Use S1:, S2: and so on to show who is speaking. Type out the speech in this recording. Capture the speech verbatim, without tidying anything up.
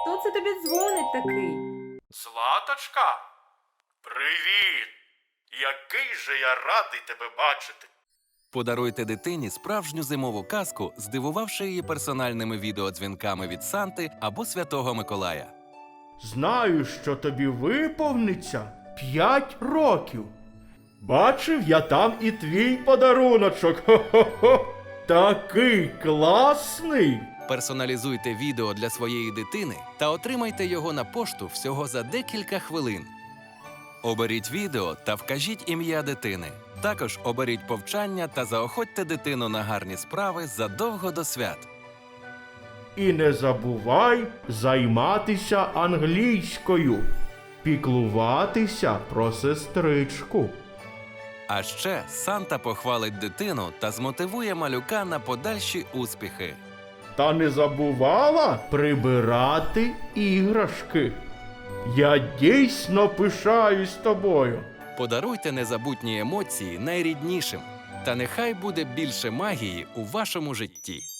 S1: Хто це тобі дзвонить такий?
S2: Златочка? Привіт! Який же я радий тебе бачити.
S3: Подаруйте дитині справжню зимову казку, здивувавши її персональними відеодзвінками від Санти або Святого Миколая.
S2: Знаю, що тобі виповниться п'ять років. Бачив я там і твій подаруночок. Хо-хо-хо! Такий класний!
S3: Персоналізуйте відео для своєї дитини та отримайте його на пошту всього за декілька хвилин. Оберіть відео та вкажіть ім'я дитини. Також оберіть повчання та заохотьте дитину на гарні справи задовго до свят.
S2: І не забувай займатися англійською, піклуватися про сестричку.
S3: А ще Санта похвалить дитину та змотивує малюка на подальші успіхи.
S2: Та не забувала прибирати іграшки. Я дійсно пишаюсь тобою.
S3: Подаруйте незабутні емоції найріднішим. Та нехай буде більше магії у вашому житті.